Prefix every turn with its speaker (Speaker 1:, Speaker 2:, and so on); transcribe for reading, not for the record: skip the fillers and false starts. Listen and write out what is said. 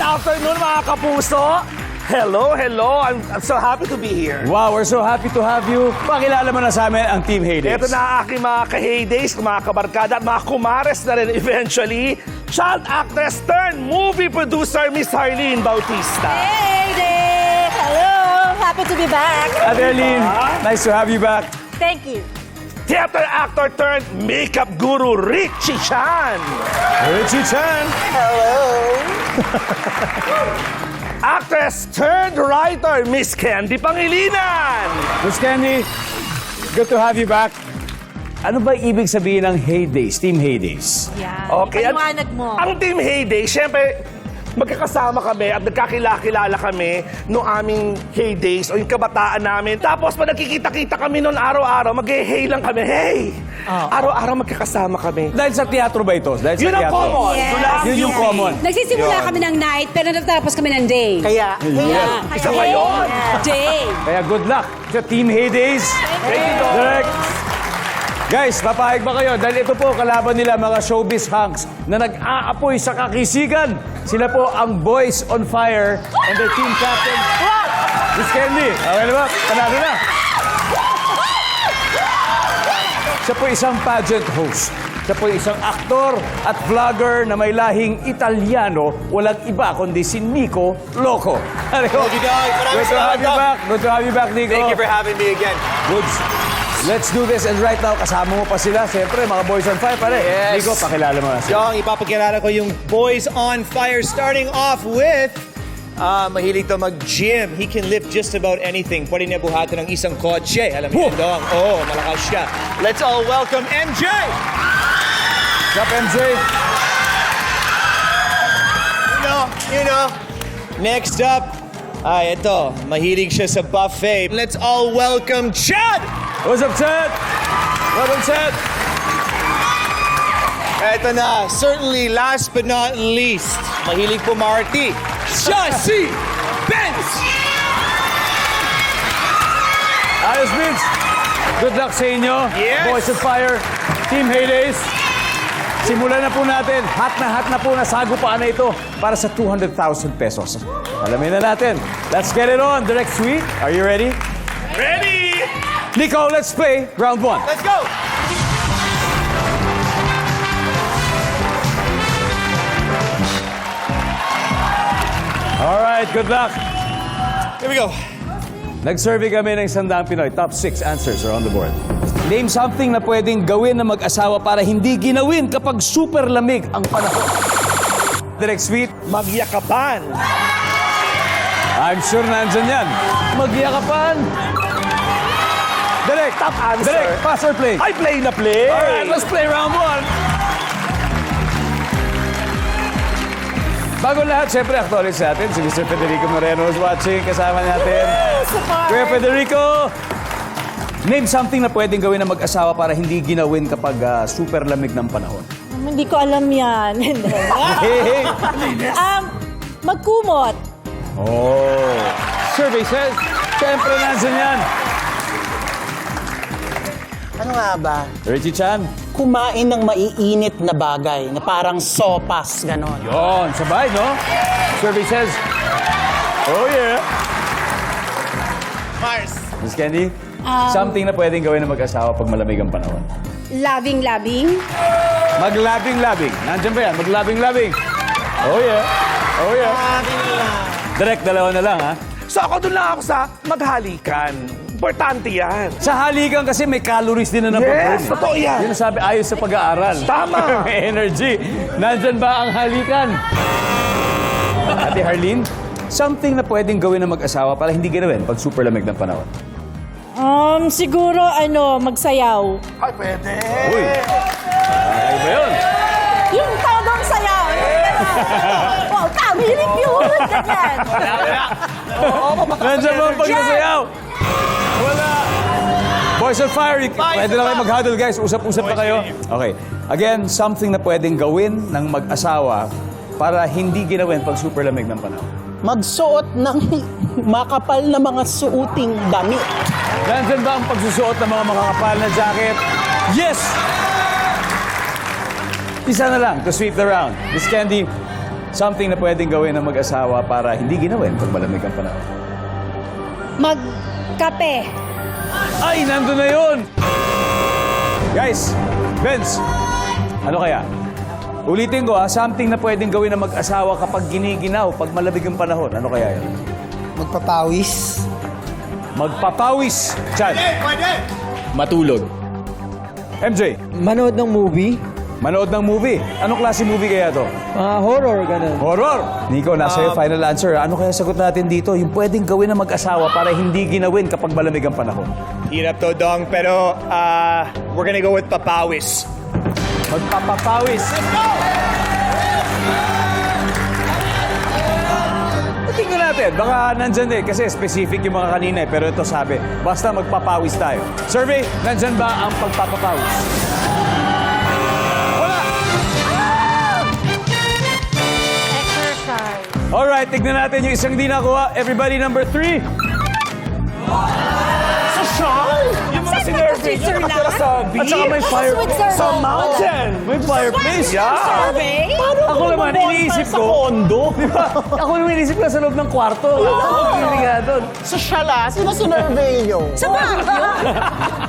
Speaker 1: afternoon, mga kapuso. Hello, hello. I'm so happy to be here.
Speaker 2: Wow, we're so happy to have you. Pakilala mo na sa amin ang Team Heydays.
Speaker 1: Ito na ang aking mga ka-Heydays, mga kabarkada at mga kumares na rin eventually. Child actress turned movie producer, Miss Harleen Bautista.
Speaker 3: Hey there! Hello! Happy to be back.
Speaker 2: Adeline, nice to have you back.
Speaker 3: Thank you.
Speaker 1: Theater actor turned makeup guru, Richie Chan.
Speaker 2: Richie Chan.
Speaker 3: Hello.
Speaker 1: Actress turned writer, Miss Candy Pangilinan.
Speaker 2: Miss Candy, good to have you back. Ano ba ibig sabihin ng Heydays, Team Heydays?
Speaker 3: Yan.
Speaker 1: Okay,
Speaker 3: Paliwanag mo.
Speaker 1: Ang Team Heyday, syempre, magkakasama kami at nagkakilala kami noong aming heydays o yung kabataan namin. Tapos, pag nagkikita-kita kami noon araw-araw, mag-hey lang kami. Hey! Araw-araw magkakasama kami.
Speaker 2: Dahil sa teatro ba ito? Dahil
Speaker 1: Yun
Speaker 2: sa
Speaker 1: ang
Speaker 2: teatro.
Speaker 1: common.
Speaker 3: Yes.
Speaker 2: Yun yung common.
Speaker 4: Nagsisimula
Speaker 1: Yun.
Speaker 4: kami ng night, pero natatapos kami ng day.
Speaker 3: Kaya,
Speaker 1: Isa pa yun.
Speaker 4: Day.
Speaker 2: Kaya good luck sa Team Heydays.
Speaker 1: Thank you, Doc.
Speaker 2: Direct. Guys, papahig ba kayo? Dahil ito po, kalaban nila mga showbiz hunks na nag-aapoy sa kakisigan. Sila po ang Boys on Fire and their team captain, Miss Candy. Okay na ba? Panalo na. Siya po isang pageant host. Siya po isang aktor at vlogger na may lahing Italiano. Walang iba kundi si Nico Loco. Thank
Speaker 5: you, Doc.
Speaker 2: Good to have you back. Good to have you back, Nico.
Speaker 5: Thank you for having me again.
Speaker 2: Good. Let's do this. And right now, kasama mo pa sila. Siyempre, mga Boys on Fire pare.
Speaker 5: Yes.
Speaker 2: Nico, pakilala mo na sila.
Speaker 5: Jong, ipapakilala ko yung Boys on Fire starting off with mahilig to mag-gym. He can lift just about anything. Pwede niya buhatan ng isang kotse. Alam niyo, Dong. Oo, malakas siya. Let's all welcome MJ!
Speaker 2: What's up, MJ?
Speaker 5: You know. Next up, ito, mahilig siya sa buffet. Let's all welcome Chad!
Speaker 2: What's up, Chad? Welcome, Chad.
Speaker 5: Ito na, certainly last but not least, mahilig pumarty. Siya si Benz!
Speaker 2: Ayos, Vince. Good luck sa inyo.
Speaker 5: Yes.
Speaker 2: Boys on Fire, Team Heydays. Simulan na po natin. Hot na po na sagupaan na ito para sa 200,000 pesos. Alamin na natin. Let's get it on. Direct Sweet, are you ready?
Speaker 1: Ready?
Speaker 2: Nico, let's play round one.
Speaker 5: Let's go!
Speaker 2: All right, good luck.
Speaker 5: Here we go.
Speaker 2: Nag-survey kami ng 100 Pinoy. Top 6 answers are on the board. Name something na pwedeng gawin ng mag-asawa para hindi ginawin kapag super lamig ang panahon. Direct Sweet,
Speaker 1: Magyakapan.
Speaker 2: I'm sure nandyan yan. Magyakapan. Direct,
Speaker 1: Top answer.
Speaker 2: Direct, pass or play?
Speaker 1: I play na play.
Speaker 2: All right, let's play round one. Bago lahat, syempre, acknowledge natin si Mr. Federico Moreno is watching. Kasama natin. Kuya Federico, name something na pwedeng gawin ng mag-asawa para hindi ginawin kapag super lamig ng panahon.
Speaker 3: hindi ko alam yan.
Speaker 2: Hey.
Speaker 3: Magkumot.
Speaker 2: Oh. Survey says, syempre nandyan yan.
Speaker 6: Ano nga ba?
Speaker 2: Richie Chan.
Speaker 6: Kumain ng maiinit na bagay na parang sopas, ganon.
Speaker 2: Yon, sabay, no? Survey says, oh yeah.
Speaker 5: Mars.
Speaker 2: Miss Candy, something na pwedeng gawin ng mag-asawa pag malamig ang panahon.
Speaker 4: Labing-labing.
Speaker 2: Maglabing-labing. Nandiyan ba yan? Maglabing-labing. Oh yeah. Oh yeah. Direct, dalawa na lang, ha?
Speaker 1: So ako doon lang ako sa maghalikan. Importante yan.
Speaker 2: Sa halikan kasi may calories din na nababurn.
Speaker 1: Yes, totoo yan.
Speaker 2: Yun ang sabi, ayos sa pag-aaral.
Speaker 1: Tama.
Speaker 2: May energy. Nandyan ba ang halikan? Ate Harleen, something na pwedeng gawin ng mag-asawa para hindi ginawin pag super lamig ng panahon.
Speaker 3: Siguro, magsayaw.
Speaker 1: Ay, pwede.
Speaker 2: Uy. Ay ba yun?
Speaker 3: Yung tawag sayaw. Wow, tamilit yun. Ganyan.
Speaker 2: Nandyan ba ang pagsasayaw? Wala. Boys on Fire, pwede na kayo mag-huddle, guys. Usap-usap na kayo. Okay. Again, something na pwedeng gawin ng mag-asawa para hindi ginawin pag super lamig ng panahon.
Speaker 6: Magsuot ng makapal na mga suoting damit.
Speaker 2: Nandyan ba ang pagsusuot ng mga makakapal na jacket? Yes! Isa na lang to sweep the round. Miss Candy, something na pwedeng gawin ng mag-asawa para hindi ginawin pag malamig ang panahon.
Speaker 4: Magkape.
Speaker 2: Ay, nandun na yun! Guys, Vince, ano kaya? Ulitin ko something na pwedeng gawin ng mag-asawa kapag giniginaw, pag malamig ang panahon. Ano kaya yun?
Speaker 6: Magpapawis.
Speaker 2: Magpapawis. Chad.
Speaker 5: Matulog.
Speaker 2: MJ,
Speaker 6: Manood ng movie.
Speaker 2: manood ng movie. Anong klase movie kaya to?
Speaker 6: Horror, ganun.
Speaker 2: Horror! Nico, nasa iyo final answer. Ano kaya sagot natin dito? Yung pwedeng gawin ng mag-asawa para hindi ginawin kapag malamig ang panahon.
Speaker 5: Hirap to, Dong, pero we're gonna go with papawis.
Speaker 2: Magpapapawis. Tingnan natin. Baka nandyan kasi specific yung mga kanina pero ito sabi, basta magpapawis tayo. Survey, nandyan ba ang pagpapapawis? Wala!
Speaker 3: Exercise.
Speaker 2: Alright, tignan natin yung isang di nakuha. Everybody, number 3.
Speaker 1: Yung mga sinervy nyo nakatira sa
Speaker 2: At
Speaker 1: beach.
Speaker 2: saka may fire.
Speaker 1: Sa mountain.
Speaker 2: May fireplace.
Speaker 1: Yeah.
Speaker 4: Survey?
Speaker 2: Ako naman, iniisip
Speaker 6: Sa
Speaker 2: ko.
Speaker 6: kondo.
Speaker 2: Ako naman iniisip ko sa loob ng kwarto. Ako nga doon.
Speaker 6: Sa shala, sino sinurvey nyo?
Speaker 4: Sa Baguio?